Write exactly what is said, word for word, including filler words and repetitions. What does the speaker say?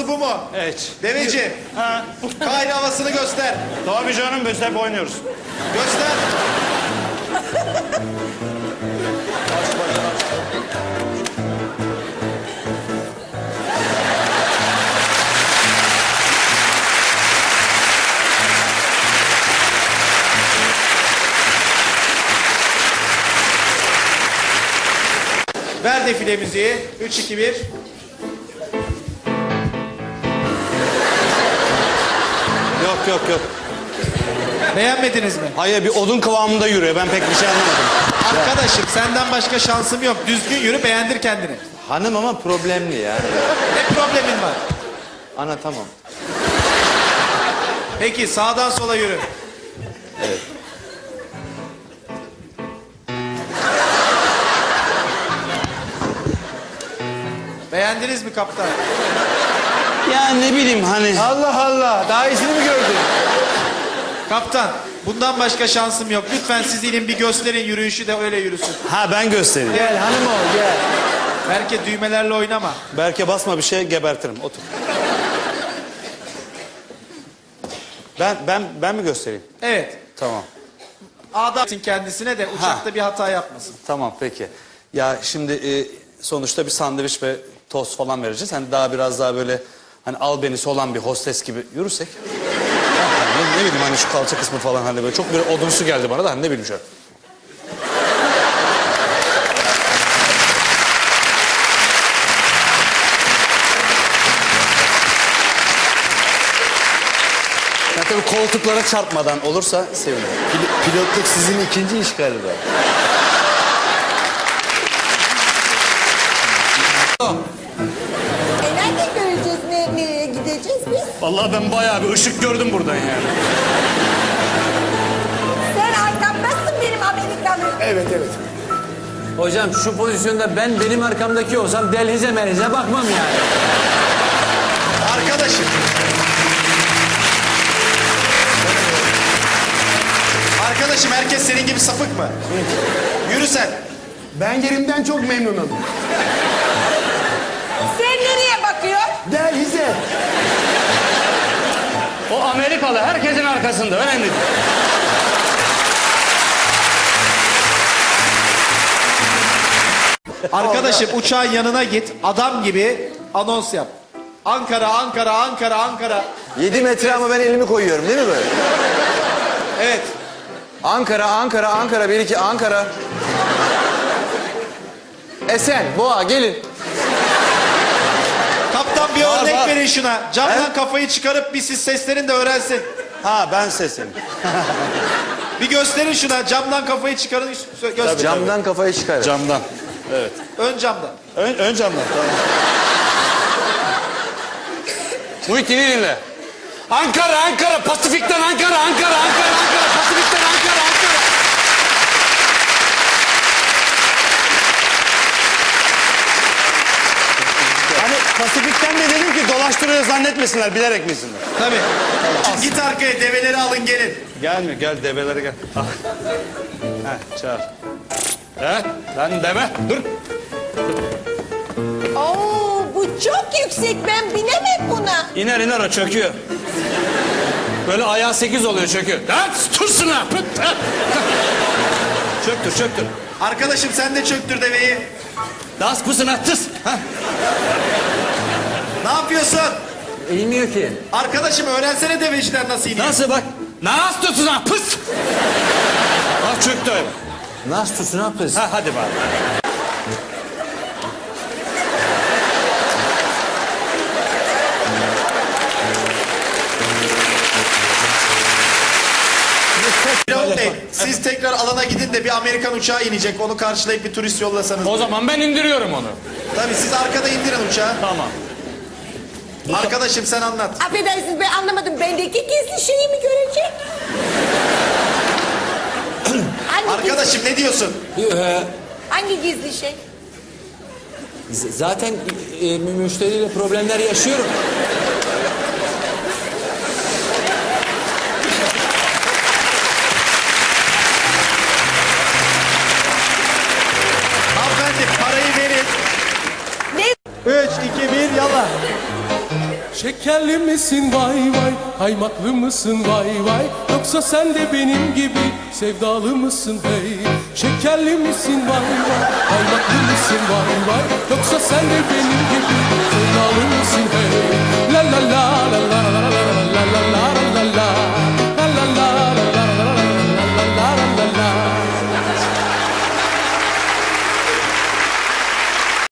bu mu? Evet. Deveci. Ha. Kaydı havasını göster. Tabii canım biz hep oynuyoruz. Göster. Ver defile müziği. Üç, iki, bir. Yok yok yok. Beğenmediniz mi? Hayır bir odun kıvamında yürüyor. Ben pek bir şey anlamadım. Arkadaşım senden başka şansım yok. Düzgün yürü, beğendir kendini. Hanım ama problemli yani. Ne problemin var? Ana tamam. Peki sağdan sola yürü. Evet. Beğendiniz mi kaptan? Ya ne bileyim hani. Allah Allah. Daha iyisini mi gördün? Kaptan, bundan başka şansım yok. Lütfen siz inin bir gösterin yürüyüşü de öyle yürüsün. Ha ben göstereyim. Gel hanım ol gel. Belki düğmelerle oynama. Berke basma bir şey gebertirim. Otur. Ben ben ben mi göstereyim? Evet. Tamam. Adam kendisine de uçakta bir hata yapmasın. Tamam peki. Ya şimdi e, sonuçta bir sandviç ve tost falan vereceğiz. Hani daha biraz daha böyle hani albenisi olan bir hostes gibi yürürsek. Yani ne, ne bileyim hani şu kalça kısmı falan hani böyle çok bir odunsu geldi bana da hani ne bileyim şöyle. Ya tabii koltuklara çarpmadan olursa sevinirim. Pil- pilotluk sizin ikinci iş galiba. E nerede göreceğiz, ne, nereye gideceğiz biz? Vallahi ben bayağı bir ışık gördüm buradan yani. Sen arkamdasın benim Amerikalı. Evet, evet. Hocam şu pozisyonda ben benim arkamdaki olsam delhize merhize bakmam yani. Arkadaşım. Arkadaşım herkes senin gibi sapık mı? Yürü sen. Ben yerimden çok memnunum. Sen nereye bakıyorsun? Delhize. O Amerikalı herkesin arkasında önemli değil. Arkadaşım uçağın yanına git. Adam gibi anons yap. Ankara, Ankara, Ankara, Ankara. Yedi metre ama ben elimi koyuyorum değil mi böyle? Evet. Ankara, Ankara, Ankara. Bir iki Ankara. Esen, Boğa gelin. Kaptan bir Var, örnek var. verin şuna. Camdan He? kafayı çıkarıp bir siz seslerin de öğrensin. Ha ben sesim. Bir gösterin şuna. Camdan kafayı çıkarın. sö- Göster. Camdan kafayı çıkar. Camdan. Evet. Ön camdan. Ön, ön camdan. Tamam. Muhittin'i dinle. Ankara, Ankara, Pasifik'ten Ankara, Ankara, Ankara, Ankara, Pasifik'ten Ankara, Ankara. Hani Pasifik'ten de dedim ki dolaştırıyor zannetmesinler, bilerek misinler? Tabii. Şimdi git arkaya develeri alın gelin. Gelmiyor, gel develere gel. Ah. Heh, çağır. He, lan deve, dur. Oo, bu çok yüksek, ben binemem buna. İner iner o çöküyor. Böyle ayağı sekiz oluyor çöküyor. Lan tutsun ha. pıt, ha. Çöktür çöktür. Arkadaşım sen de çöktür deveyi. Das pısına tıs. Ha. Ne yapıyorsun? Eğilmiyor ki. Arkadaşım öğrensene deveciler nasıl iniyor. Nasıl bak? Nasıl tutsun ha pıs. Bak çöktü öyle. Nasıl tutsun ha kız? Ha hadi bak. Pilot Bey, siz tekrar alana gidin de bir Amerikan uçağı inecek. Onu karşılayıp bir turist yollasanız. O zaman ben indiriyorum onu. Tabii siz arkada indirin uçağı. Tamam. Arkadaşım sen anlat. Affedersiniz, ben anlamadım. Bendeki gizli şeyi mi görecek? hangi, Arkadaşım ne diyorsun? Ee, hangi gizli şey? z- zaten e, müşteriyle problemler yaşıyorum. Hanımefendi parayı verin. Ne? Üç, iki, bir, yallah. Şekerli misin vay vay, kaymaklı mısın vay vay, yoksa sen de benim gibi sevdalı mısın hey? Şekerli misin vay vay, kaymaklı mısın vay vay, yoksa sen de benim gibi sevdalı mısın hey?